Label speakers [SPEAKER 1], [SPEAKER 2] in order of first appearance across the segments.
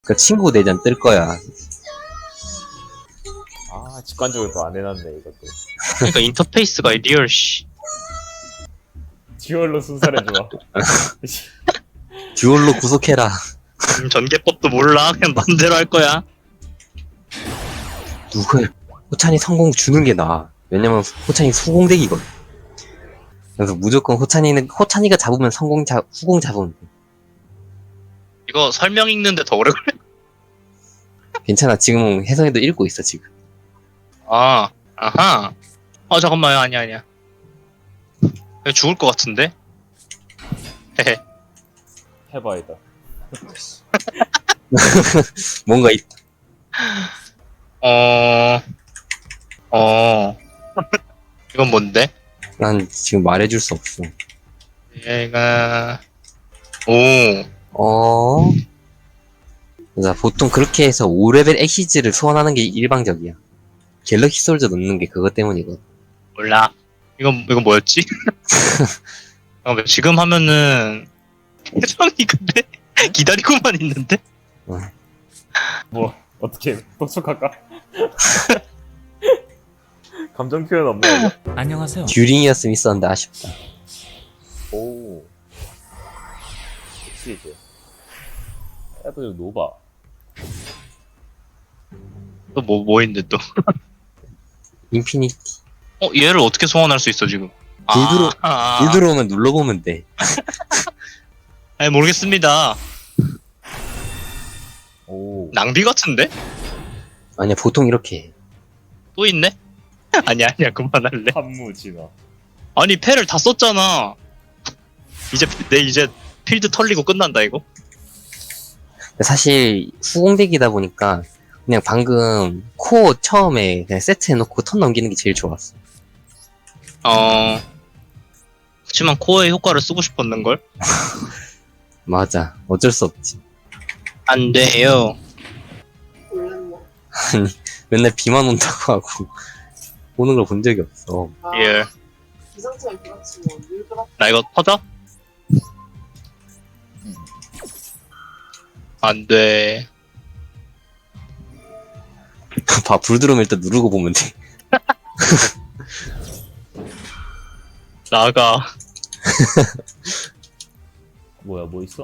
[SPEAKER 1] 그 친구 대전 뜰 거야.
[SPEAKER 2] 아, 직관적으로 또 안 해놨네, 이것도.
[SPEAKER 3] 그러니까 인터페이스가 리얼 씨.
[SPEAKER 2] 듀얼로 순살해줘.
[SPEAKER 1] 듀얼로 구속해라.
[SPEAKER 3] 전개법도 몰라. 그냥 맘대로 할 거야.
[SPEAKER 1] 누굴 호찬이 성공 주는 게 나아. 왜냐면 호찬이 수공대기거든. 그래서 무조건 호찬이가 잡으면 후공 잡으면 돼.
[SPEAKER 3] 이거 설명 읽는데 더 오래 걸려.
[SPEAKER 1] 괜찮아. 지금 혜성이도 읽고 있어 지금.
[SPEAKER 3] 아, 아하. 잠깐만요. 아니야. 이거 죽을 것 같은데? 헤헤.
[SPEAKER 2] 해봐야겠다.
[SPEAKER 1] 뭔가
[SPEAKER 3] 이건 뭔데?
[SPEAKER 1] 난 지금 말해줄 수 없어.
[SPEAKER 3] 얘가,
[SPEAKER 1] 자, 보통 그렇게 해서 5레벨 엑시즈를 소환하는 게 일방적이야. 갤럭시 솔저 넣는 게 그것 때문이거든.
[SPEAKER 3] 몰라. 이건 뭐였지? 잠깐만, 지금 하면은, 혜정이 근데, 기다리고만 있는데?
[SPEAKER 2] 뭐, 어떻게, 똑똑할까? 감정 표현 없나, 이거?
[SPEAKER 4] 안녕하세요.
[SPEAKER 1] 듀링이었으면 있었는데 아쉽다.
[SPEAKER 2] 오. 역시 이제. 애들 노바.
[SPEAKER 3] 또 뭐 있는데 또?
[SPEAKER 1] 인피니티.
[SPEAKER 3] 얘를 어떻게 소환할 수 있어, 지금?
[SPEAKER 1] 불 들어오면 눌러보면 돼.
[SPEAKER 3] 아니, 모르겠습니다.
[SPEAKER 2] 오.
[SPEAKER 3] 낭비 같은데?
[SPEAKER 1] 아니야, 보통 이렇게 해.
[SPEAKER 3] 또 있네? 아니야, 그만할래.
[SPEAKER 2] 한무 진화.
[SPEAKER 3] 아니, 패를 다 썼잖아. 이제 필드 털리고 끝난다, 이거?
[SPEAKER 1] 사실 후공대기다 보니까 그냥 방금 코어 처음에 그냥 세트 해놓고 턴 넘기는 게 제일 좋았어.
[SPEAKER 3] 그치만 코어의 효과를 쓰고 싶었는걸?
[SPEAKER 1] 맞아. 어쩔 수 없지.
[SPEAKER 3] 안 돼요.
[SPEAKER 1] 아니, 맨날 비만 온다고 하고 오는 걸 본 적이 없어.
[SPEAKER 3] 예.
[SPEAKER 5] 기상청에 그렇지만 일그럽
[SPEAKER 3] 나 이거 터져? 안 돼.
[SPEAKER 1] 봐, 불 들어오면 일단 누르고 보면 돼.
[SPEAKER 3] 나가.
[SPEAKER 2] 뭐야, 뭐 있어?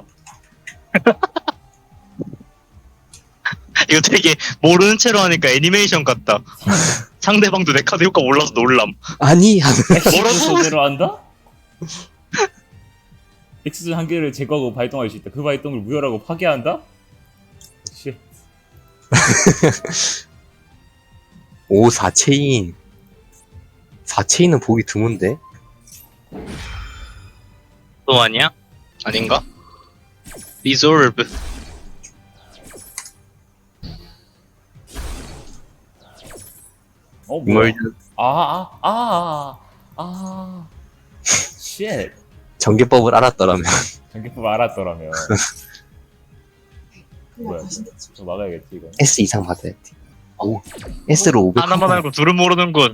[SPEAKER 3] 이거 되게 모르는 채로 하니까 애니메이션 같다. 상대방도 내 카드 효과 몰라서 놀람.
[SPEAKER 1] 아니 하면
[SPEAKER 2] 엑스즈 손으로 한다? 엑스즈 한 개를 제거하고 발동할 수 있다. 그 발동을 무효라고 파괴한다? 씨.
[SPEAKER 1] 오 4체인. 4체인은 보기 드문데?
[SPEAKER 3] 또 아니야? 아닌가? 리졸브.
[SPEAKER 2] 어, 뭐야?
[SPEAKER 1] 뭘
[SPEAKER 2] 쉣.
[SPEAKER 1] 전개법을 알았더라면.
[SPEAKER 2] 전기법 알았더라면.
[SPEAKER 5] 그냥
[SPEAKER 2] 뭐야?
[SPEAKER 5] 다시 넣지.
[SPEAKER 2] 좀 막아야겠지, 이거.
[SPEAKER 1] S 이상 받아야 돼. 오 S로 500.
[SPEAKER 3] 하나만 알고 둘은 모르는군.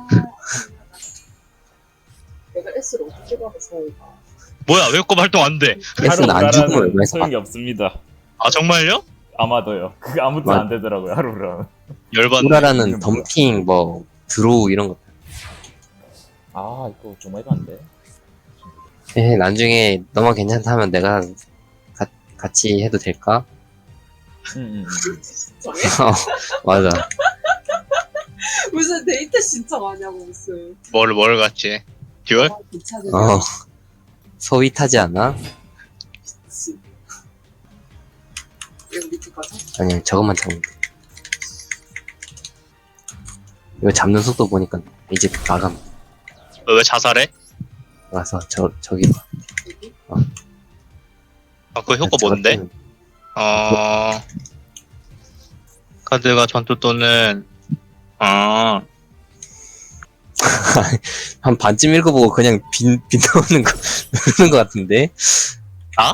[SPEAKER 5] 내가 S를 어떻게 받아 서울가.
[SPEAKER 3] 뭐야, 왜 효과 발동 안 돼?
[SPEAKER 1] S는 안 죽으면 얼마에서
[SPEAKER 2] 소용이 없습니다.
[SPEAKER 3] 아, 정말요?
[SPEAKER 2] 아마도요. 그게 아무튼 안 되더라고요, 하루랑.
[SPEAKER 3] 열받네.
[SPEAKER 1] 우라라는
[SPEAKER 2] 이건 뭐야?
[SPEAKER 1] 덤핑 뭐 드로우 이런 거.
[SPEAKER 2] 아, 이거 좀 해봤는데.
[SPEAKER 1] 나중에 너만 괜찮다면 내가 같이 해도 될까?
[SPEAKER 2] 응.
[SPEAKER 5] 신청해?
[SPEAKER 1] 맞아.
[SPEAKER 5] 무슨 데이트 신청하냐고 무슨.
[SPEAKER 3] 뭘 같지? 듀얼?
[SPEAKER 5] 괜찮은
[SPEAKER 1] 소위 타지 않아?
[SPEAKER 5] 미친. 여기 밑에 가자.
[SPEAKER 1] 아니 저것만 잡으면 돼. 이거 잡는 속도 보니까 이제 나감.
[SPEAKER 3] 왜 자살해?
[SPEAKER 1] 와서 저기 봐.
[SPEAKER 5] 여기.
[SPEAKER 3] 그 효과 뭔데? 카드가 전투 또는
[SPEAKER 1] 한 반쯤 읽어보고 그냥 빈 나오는 거 누르는 거 같은데?
[SPEAKER 3] 나?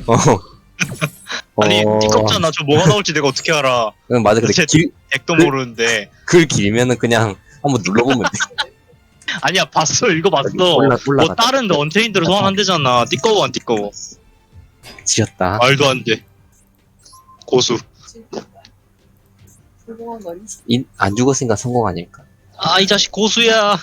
[SPEAKER 3] 아니, 띠껍잖아. 저 뭐가 나올지 내가 어떻게 알아?
[SPEAKER 1] 응, 맞아. 근데
[SPEAKER 3] 도대체 액도 모르는데.
[SPEAKER 1] 글 길면은 그냥 한번 눌러보면 돼.
[SPEAKER 3] 아니야, 봤어. 읽어봤어.
[SPEAKER 1] 올라가.
[SPEAKER 3] 뭐 다른 언체인드로 소환 안 되잖아. 띠꺼워 안 띠꺼워.
[SPEAKER 1] 지렸다.
[SPEAKER 3] 말도 안 돼. 고수.
[SPEAKER 5] 진짜. 성공한 거 아니지?
[SPEAKER 1] 안 죽었으니까 성공 아닐까?
[SPEAKER 3] 아, 이 자식 고수야.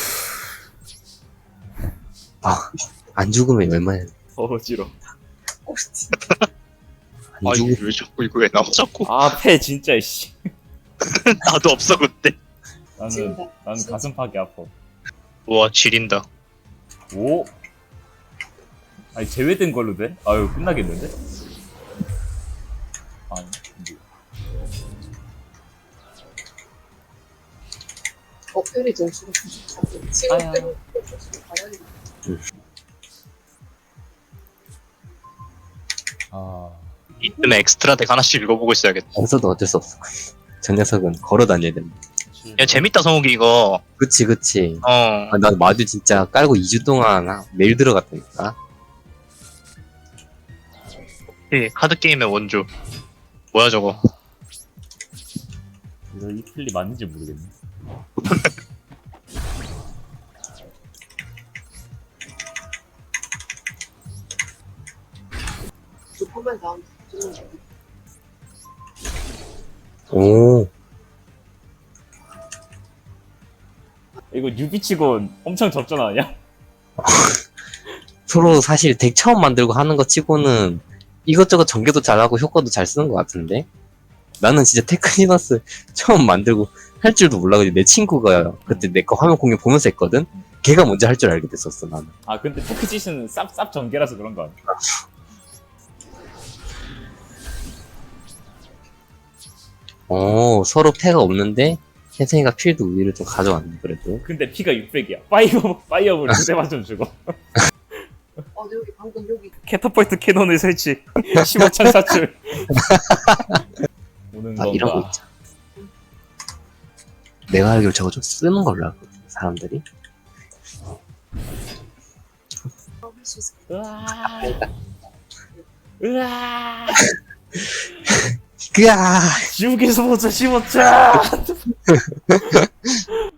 [SPEAKER 1] 안 죽으면 얼마나
[SPEAKER 2] 어지러.
[SPEAKER 5] 꼴찌.
[SPEAKER 1] 안
[SPEAKER 3] 아,
[SPEAKER 1] 죽.
[SPEAKER 3] 왜 자꾸 이거 왜 나와 자꾸.
[SPEAKER 2] 아패 진짜 씨.
[SPEAKER 3] 나도 없어 그때.
[SPEAKER 2] 나는 가슴팍이 아파.
[SPEAKER 3] 우와, 지린다.
[SPEAKER 2] 오. 아니 제외된 걸로 돼? 아유 끝나겠는데? 아니.
[SPEAKER 5] 어플이 점수가 94. 지금
[SPEAKER 2] 아야.
[SPEAKER 5] 때문에 점수가 가라니.
[SPEAKER 2] 아.
[SPEAKER 3] 이쯤에 엑스트라 덱 하나씩 읽어보고 있어야겠다.
[SPEAKER 1] 없어도 어쩔 수 없어. 저 녀석은 걸어 다녀야 된다.
[SPEAKER 3] 야, 재밌다, 성욱이 이거.
[SPEAKER 1] 그치.
[SPEAKER 3] 어.
[SPEAKER 1] 아, 나 마주 진짜 깔고 2주 동안 매일 들어갔다니까.
[SPEAKER 3] 카드 게임의 원조. 뭐야, 저거.
[SPEAKER 2] 이거 이 플리 맞는지 모르겠네.
[SPEAKER 5] 조금만 다음 주는 거.
[SPEAKER 1] 오.
[SPEAKER 2] 이거 뉴비치곤 엄청 접전 아니야?
[SPEAKER 1] 서로 사실 덱 처음 만들고 하는 거 치고는 이것저것 전개도 잘하고 효과도 잘 쓰는 것 같은데? 나는 진짜 테크니너스 처음 만들고 할 줄도 몰라가지고 내 친구가 그때 내 거 화면 공유 보면서 했거든? 걔가 먼저 할 줄 알게 됐었어, 나는.
[SPEAKER 2] 아 근데 테크짓은 쌉 전개라서 그런 거 아니야?
[SPEAKER 1] 서로 패가 없는데 혜생이가 필드 우위를 좀 가져왔네, 그래도.
[SPEAKER 2] 근데 피가 600이야. 파이어볼 2대만 좀 주고.
[SPEAKER 5] 여기 방금 여기
[SPEAKER 2] 캐터폴트 캐논을 설치. 15창 사출. 오는 건가?
[SPEAKER 1] 이런 거 있잖아. 내가 알기로 저거 좀 쓰는 걸로 알거든, 사람들이.
[SPEAKER 5] 할수 있을
[SPEAKER 2] 으아. 으아.
[SPEAKER 1] 그야!
[SPEAKER 2] 지옥에서 보자 15창.